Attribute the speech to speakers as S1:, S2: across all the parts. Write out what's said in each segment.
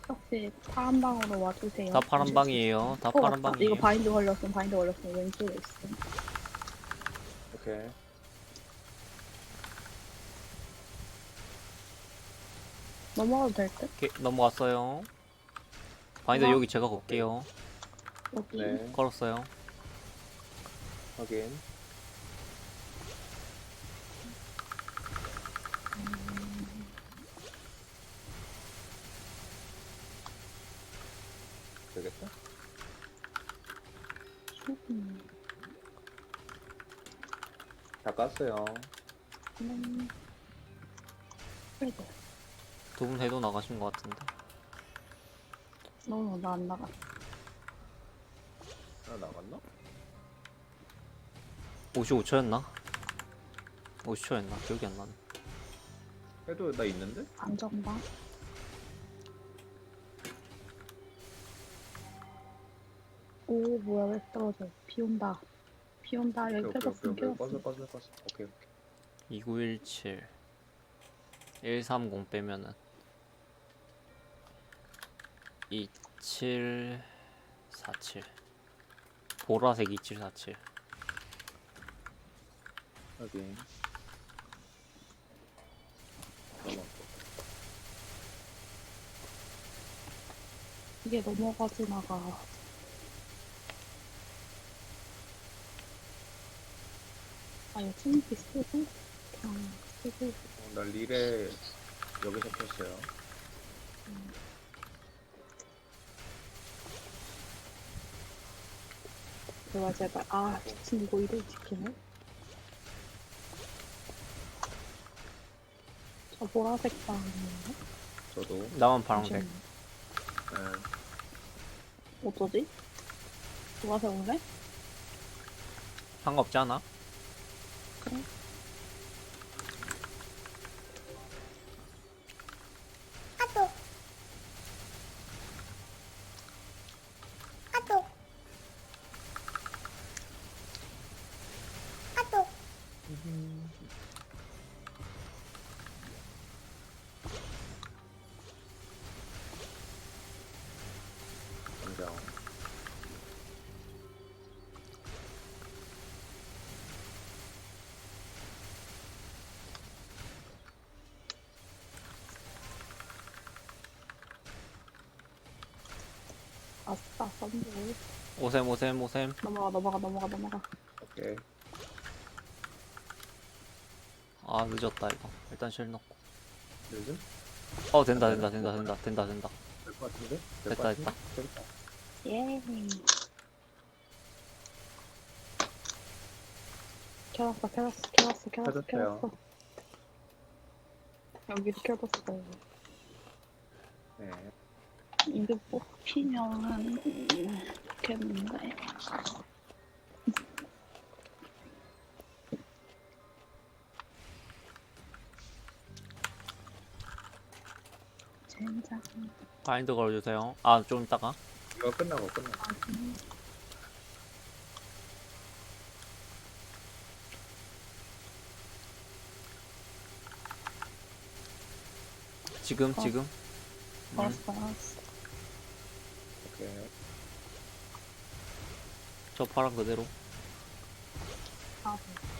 S1: 혹시 파란 방으로 와주세요.
S2: 다 파란 방이에요. 다 파란
S1: 맞다.
S2: 방이에요.
S1: 이거 바인드 걸렸음. 왼쪽에 있음.
S3: 오케이.
S1: 넘어가도 될 듯?
S2: 오케이, 넘어갔어요. 바인더 여기 제가 걸게요.
S1: 여기.
S3: 네.
S2: 걸었어요.
S3: 확인. 되겠다. 다 깠어요.
S1: 그래도
S2: 두 분 해도 나가신 것 같은데.
S1: 너무 나 안 나가.
S3: 하나 나갔나?
S2: 55초였나? 50초였나? 기억이 안 나네.
S3: 해도 나 있는데?
S1: 안전방. 오 뭐야 왜 떨어져? 비 온다. 비 온다. 여기 펴졌음.
S3: 꺼져,
S1: 펴졌음.
S3: 꺼져. 오케이.
S2: 2917 130 빼면은 2747 보라색 2747
S3: 확인. 넘어갔고.
S1: 이게 넘어가지 나가. 아 이거 침묵이 쓰고 그냥 쓰고.
S3: 나 릴에 여기서 켰어요.
S1: 제발. 아 미친 이거 이를 지키네. 저 보라색 방이네.
S3: 저도.
S2: 나만 파란색.
S3: 네.
S1: 어쩌지? 보라색 오네?
S2: 상관없지 않아?
S1: 그래.
S3: 당장.
S1: 아싸 썬드.
S2: 오셈
S1: 넘어가.
S3: 오케이.
S2: 아 늦었다 이거. 일단 실 넣고.
S3: 요즘?
S2: 된다.
S3: 될 것 같은데?
S2: 됐다.
S3: 됐다.
S1: 예. 켜놨어.
S3: 켜졌어요.
S1: 여기도 켜졌어.
S3: 네.
S1: 이거 뽑히면 좋겠는데. 젠장.
S2: 바인드 걸어주세요. 아 좀 이따가.
S3: 이거 끝나고.
S2: 지금.
S1: 알았어.
S3: 오케이.
S2: 저 파란 그대로.
S1: 아,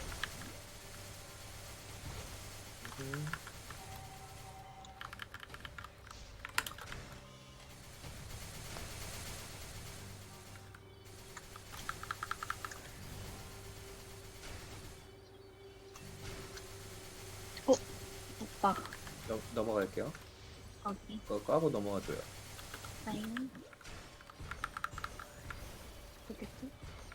S1: 없다.
S3: 넘어갈게요.
S1: 여기.
S3: 그거 까고 넘어가줘요.
S1: 타임. 되겠지?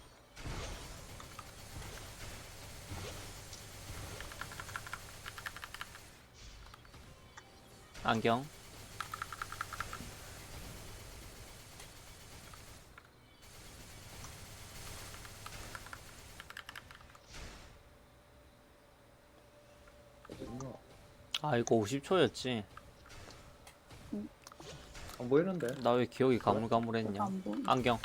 S2: 안경.
S3: 어딨나?
S2: 아 이거 50초였지.
S3: 안 보이는데?
S2: 나 왜 기억이
S1: 저거
S2: 가물가물했냐.
S1: 안 보여.
S2: 안경.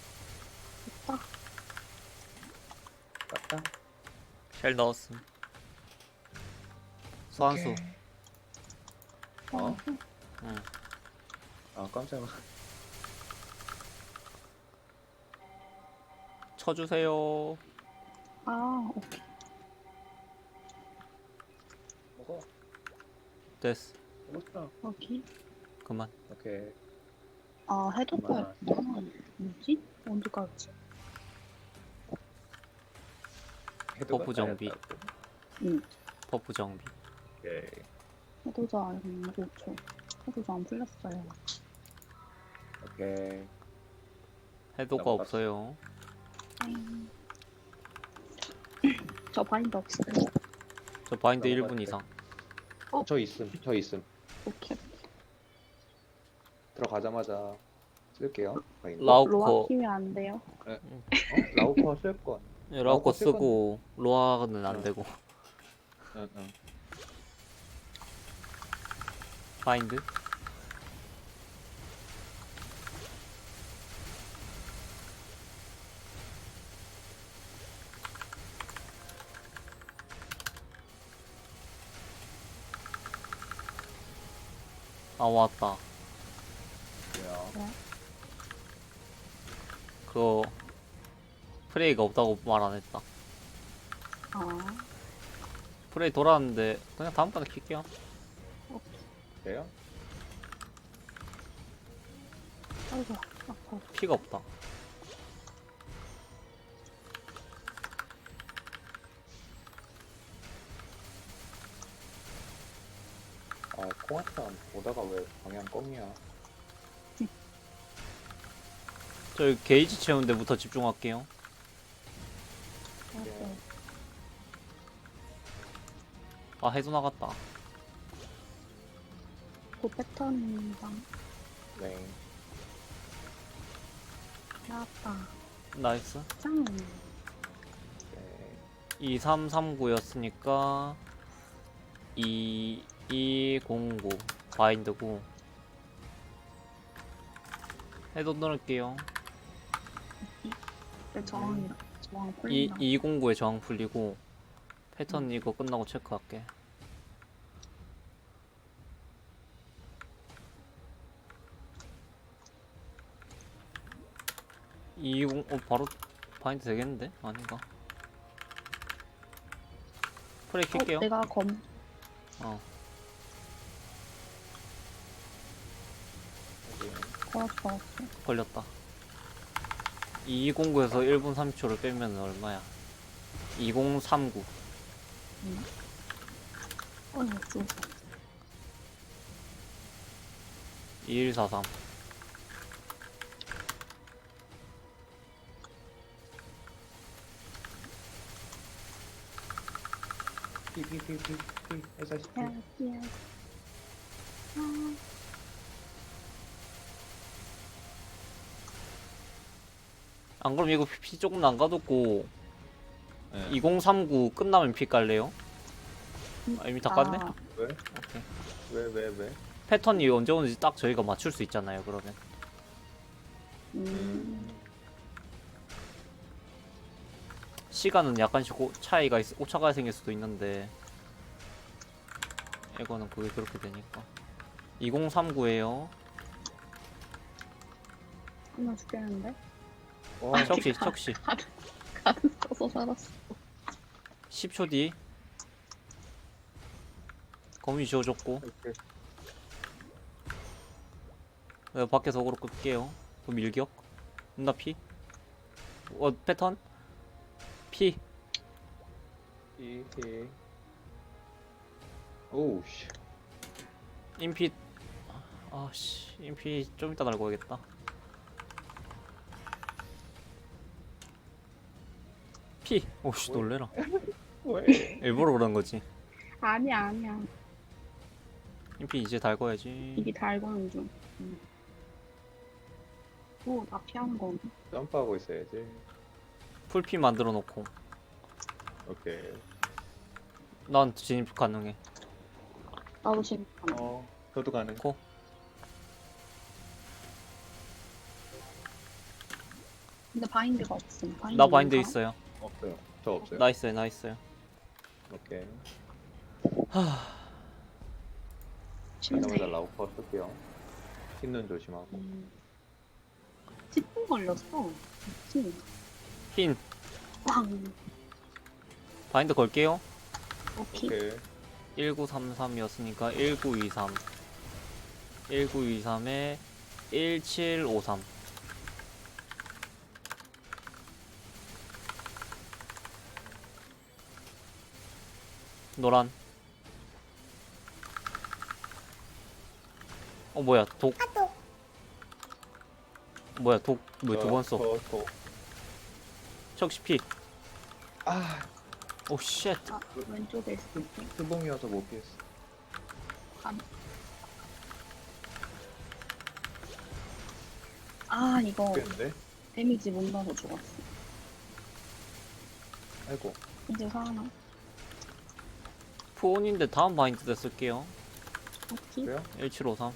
S1: 있다.
S3: 맞다.
S2: 쉘 넣었음. 소환수.
S3: 어?
S2: 응.
S3: 아 깜짝이야.
S2: 쳐주세요.
S1: 아, 오케이.
S3: 먹어.
S2: 됐어.
S3: 먹었어.
S1: 여기.
S2: 그만.
S3: 오케이.
S1: 아, 해도
S3: 그만.
S1: 거였구나. 뭐지? 언제 깔았지?
S3: 해도가
S2: 버프 정비.
S3: 까였다고.
S1: 응.
S2: 버프 정비.
S3: 오케이.
S1: 해도자 5초. 해도자 안 풀렸어요.
S3: 오케이.
S2: 해도가
S3: 넘어갔어.
S2: 없어요.
S1: 땡. 저 바인드 없어요.
S2: 저 바인드
S3: 넘어갔대.
S2: 1분 이상.
S3: 저 있음. 저 있음.
S1: 오케이.
S3: 들어가자마자 쓸게요. 바인드.
S2: 라우커.
S1: 로아 키면 안 돼요?
S3: 라우커 쓸 건.
S2: 예, 라우커
S3: 쓸 건데.
S2: 쓰고 로아는 안
S3: 응.
S2: 되고.
S3: 응.
S2: 바인드. 아 왔다.
S3: 뭐야?
S2: 그거 프레이가 없다고 말 안 했다.
S1: 아,
S2: 프레이 돌아왔는데 그냥 다음번에 킬게요.
S3: 돼요?
S1: 아이고, 아파.
S2: 피가 없다.
S3: 아 콩아탄 오다가 왜 방향 껌이야?
S2: 저 게이지 채우는 데부터 집중할게요.
S1: 알았어요.
S2: 아 해도 나갔다.
S1: 그 패턴입니다.
S3: 네.
S1: 나왔다.
S2: 나이스.
S1: 짱.
S3: 네.
S2: 2339였으니까 2209 바인드고 해도 넣을게요.
S1: 저항이라. 저항
S2: 이
S1: 풀린다.
S2: 209에 저항 풀리고 패턴 이거 끝나고 체크할게. 바로 바인드 되겠는데? 아닌가? 프레이 킬게요.
S1: 내가 검.
S2: 어.
S1: 걸었어.
S2: 걸렸다. 209에서 1분 30초를 빼면 얼마야? 2039.
S1: 어휴, 죽었어.
S2: 2143.
S3: 피피피피피 S40.
S1: 야. 아,
S2: 안 그럼 이거 피 조금 남가뒀고
S3: 네.
S2: 2039 끝나면 피 깔래요? 아, 이미 다 깠네?
S1: 아,
S3: 왜?
S2: 오케이.
S3: 왜?
S2: 패턴이 언제 오는지 딱 저희가 맞출 수 있잖아요, 그러면. 시간은 약간씩 오차가 생길 수도 있는데 이거는 그게 그렇게 되니까. 2039에요.
S1: 하나 죽겠는데?
S3: 와,
S2: 척시
S1: 가든 써서 살았어.
S2: 10초 뒤 거미 지워줬고 내가 밖에서 어그로 끌게요. 그 밀격 나 피. 패턴 피.
S3: 피피. 오우 씨.
S2: 인피. 아씨 인피 좀 이따 달고 야겠다. 피. 오씨 놀래라.
S3: 왜?
S2: 일부러 그런 거지.
S1: 아니야.
S2: 인피 이제 달궈야지.
S1: 이게 달고는 중. 오, 나 피하는 거.
S3: 점프하고 있어야지.
S2: 풀피 만들어 놓고
S3: 오케이.
S2: 난 진입 가능해.
S1: 나도 지금.
S3: 저도 가능.
S2: 코.
S1: 근데 바인드가 없음.
S2: 나 바인드 있어요.
S3: 없어요. 저 없어요.
S2: 나 있어요.
S3: 오케이.
S1: 침대.
S3: 다이너마다 라우퍼 쓸게요. 흰눈 조심하고.
S1: 10분 걸렸어. 미친.
S2: 흰.
S1: 빵.
S2: 바인드 걸게요.
S1: 오케이.
S3: 오케이.
S2: 1933이었으니까 1923. 1923에 1753. 노란. 뭐야, 독. 뭐야, 독, 왜 두 번 써? 척시 피.
S3: 아,
S2: 오, 쉣.
S1: 아, 왼쪽에 있을 때.
S3: 수봉이어서 못 피했어.
S1: 감. 아, 이거
S3: 피했는데?
S1: 데미지 못 넣어서 죽었어.
S3: 아이고.
S1: 이제 살아나.
S2: 푸온인데 다음 바인드 때 쓸게요.
S1: 오케이.
S3: 그래요?
S2: 1753.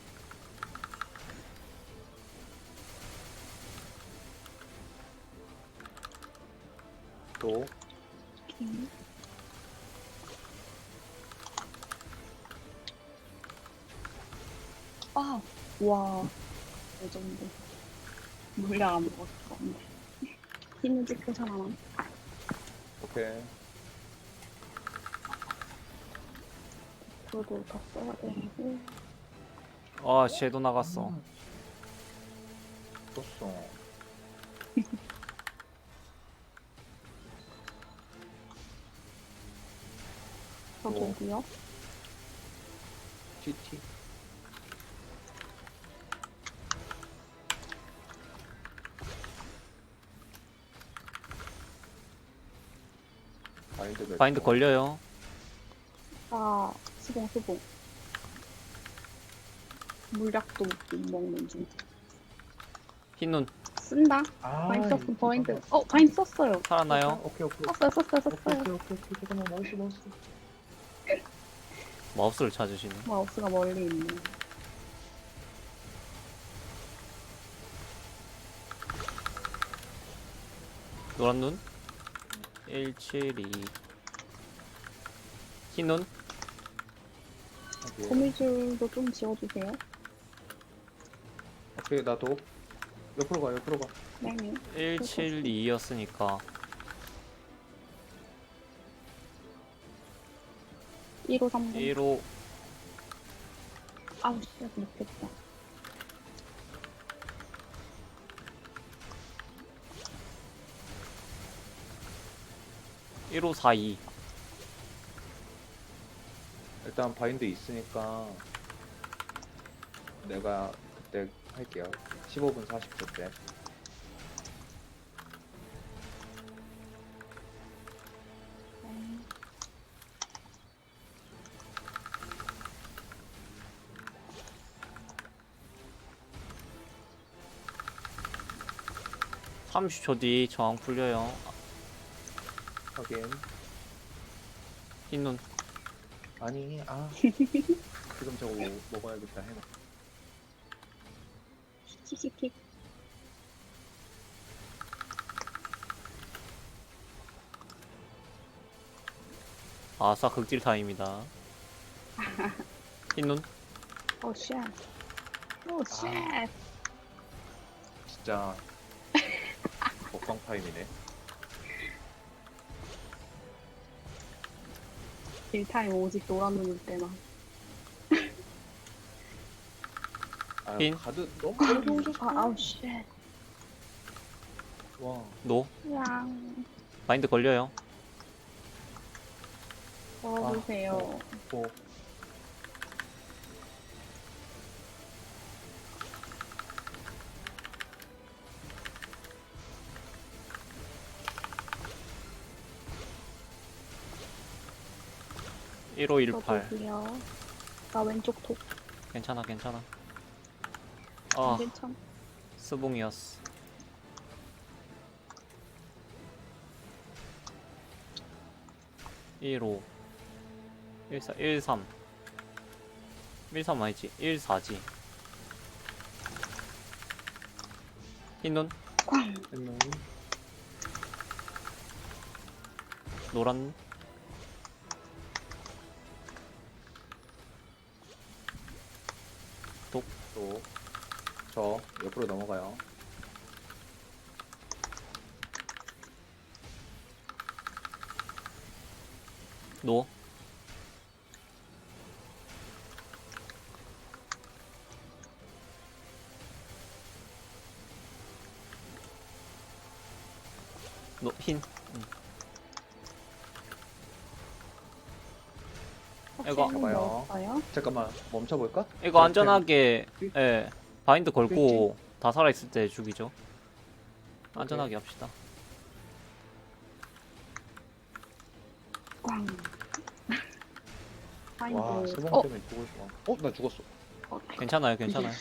S3: 또.
S1: 오케이. 아, 와. 레전드. 물량 안 먹었을 건데. 힘을 찍고 살아나.
S3: 오케이.
S1: 저도 더 써야 되고.
S2: 아, 쟤도 나갔어.
S3: 떴어.
S1: 저도요.
S3: TT.
S2: 바인드 걸려요.
S1: 아, 수봉. 물약도 못 먹는 중.
S2: 흰눈.
S1: 쓴다.
S3: 아,
S1: 바인 썼음, 바인드. 바인 썼어요.
S2: 살아나요?
S3: 오케이.
S1: 썼어요.
S3: 오케이. 잠깐만, 마우스.
S2: 마우스를 찾으시네.
S1: 마우스가 멀리 있네.
S2: 노란 눈. 172. 흰 눈.
S3: 오케이.
S1: 거미줄도 좀 지워주세요.
S3: 오케이, 나도. 옆으로 가.
S1: 네.
S2: 172였으니까
S1: 1호 3번.
S2: 1호.
S1: 아우, 씨, 못했다.
S2: 일 1호 42.
S3: 일단 바인드 있으니까 내가 그때 할게요. 15분 40초 때.
S1: 네.
S2: 삼 30초 뒤 저항 풀려요.
S3: 확인.
S2: 흰 눈.
S3: 아니, 지금 저거 먹어야겠다 해놔.
S1: 킥킥킥.
S2: 아싸, 극딜 타임이다. 흰 눈.
S1: 오, 쉣. 오, 쉣.
S3: 진짜 먹방 타임이네.
S1: 딜타임 오직 노란 눈일 때만.
S3: 아, 가드 너무 빨리 오셨어.
S1: 아우, 쉣.
S3: 와,
S2: 노.
S1: 양.
S2: 바인드 걸려요.
S1: 넣어주세요.
S3: 뭐.
S2: 일 1518.
S1: 저도요. 나 왼쪽 독.
S2: 괜찮아. 아,
S1: 괜찮.
S2: 스봉이었어. 15 14 13 13 아니지 14지. 흰눈.
S1: 꽝.
S3: 했노.
S2: 노란.
S3: 또 저 옆으로 넘어가요.
S2: 노. 노, 흰.
S1: 혹시
S2: 이거
S1: 흰
S3: 봐요.
S1: 넣었어요?
S3: 잠깐만 멈춰볼까?
S2: 이거 안전하게, 예. 바인드 걸고 다 살아있을 때 죽이죠. 안전하게 합시다.
S1: 꽝.
S3: 와,
S1: 파인드.
S3: 세번 때문에 죽을 뻔. 나 죽었어.
S2: 괜찮아요, 괜찮아요.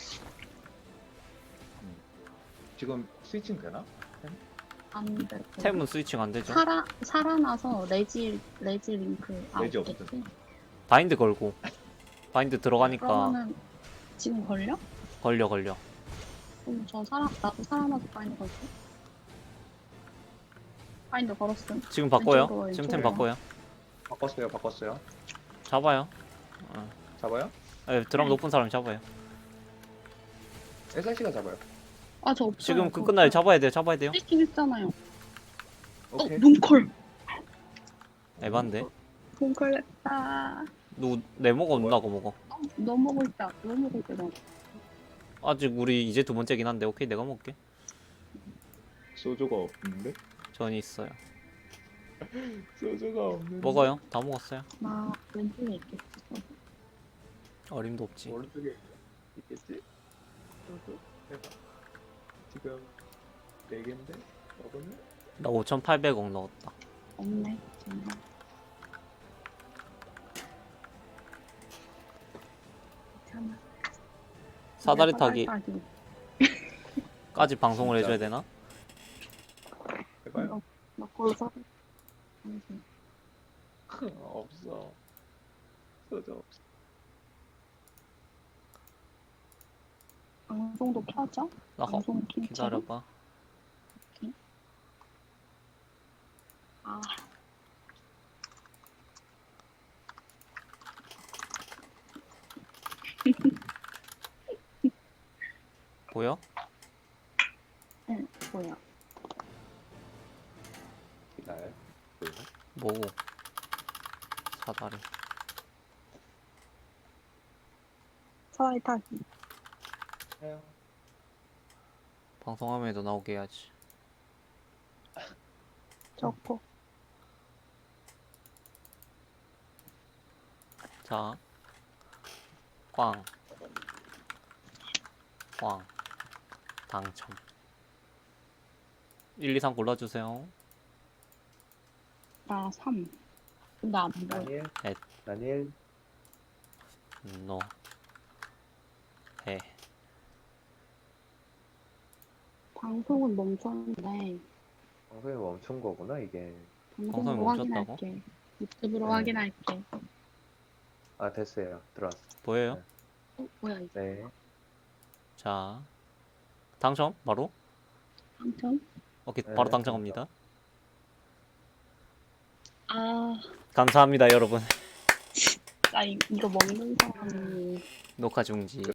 S3: 지금 스위칭 되나?
S1: 안 돼.
S2: 템은 스위칭 안 되죠.
S1: 살아나서 레지 링크
S3: 레지
S1: 없겠지?
S3: 없음.
S2: 바인드 걸고. 바인드 들어가니까
S1: 그러면은 지금 걸려?
S2: 걸려.
S1: 그럼 나도 살아나서 파인드 걸게. 파인드 걸었음.
S2: 지금 바꿔요.
S1: 왼쪽으로,
S2: 지금 템
S1: 왼쪽으로.
S2: 바꿔요.
S3: 바꿨어요.
S2: 잡아요.
S3: 잡아요?
S2: 예, 드럼 높은 사람 잡아요.
S3: SRC가 잡아요.
S1: 아, 저 없어요.
S2: 지금 그 끝날 잡아야 돼요.
S1: 세팅 했잖아요.
S3: 오케이.
S1: 뭉컬.
S2: 에반데.
S1: 뭉컬 했다.
S2: 누구 네모가 없나 고 먹어.
S1: 너 먹을 때 너.
S2: 아직 우리 이제 두 번째긴 한데 오케이 내가 먹을게.
S3: 소주가 없는데?
S2: 전이 있어요.
S3: 소주가 없는데?
S2: 먹어요. 다 먹었어요.
S1: 나 왼쪽에 있겠지.
S2: 어림도 없지.
S3: 오른쪽에 있겠지? 소주? 대박. 지금 4개인데? 먹으면?
S2: 나 5,800억 넣었다.
S1: 없네. 정말. 괜찮아.
S2: 사다리
S1: 사다리
S2: 타기까지 방송을
S3: 진짜.
S2: 해줘야 되나?
S3: 해봐요.
S1: 나 걸로 사.
S3: 없어. 소주 없어.
S1: 방송도 켜져?
S2: 나
S1: 방송 킨 채로?
S2: 기다려봐.
S1: 아,
S2: 보여?
S1: 응, 뭐야?
S3: 기다려. 보이나?
S2: 뭐고? 사다리.
S1: 사다리 타기.
S3: 해요.
S2: 방송화면에도 나오게 해야지.
S1: 좋고.
S2: 자, 꽝, 꽝, 당첨. 1, 2, 3 골라주세요.
S1: 나 3. 근데 안 보여.
S3: 다니엘.
S2: 넷.
S3: 다니엘.
S2: 노, 해.
S1: 방송은 멈췄는데
S3: 방송이 멈춘 거구나 이게.
S2: 방송이
S1: 방송으로
S2: 멈췄다고?
S1: 확인할게. 유튜브로
S3: 네.
S1: 확인할게.
S3: 아 됐어요. 들어왔어.
S2: 보여요?
S1: 뭐야 이거?
S3: 네.
S2: 자, 당첨? 바로?
S1: 당첨?
S2: 오케이,
S3: 네,
S2: 바로 당첨합니다.
S1: 아,
S2: 감사합니다, 여러분.
S1: 나 이거 먹는 사람이
S2: 녹화 중지.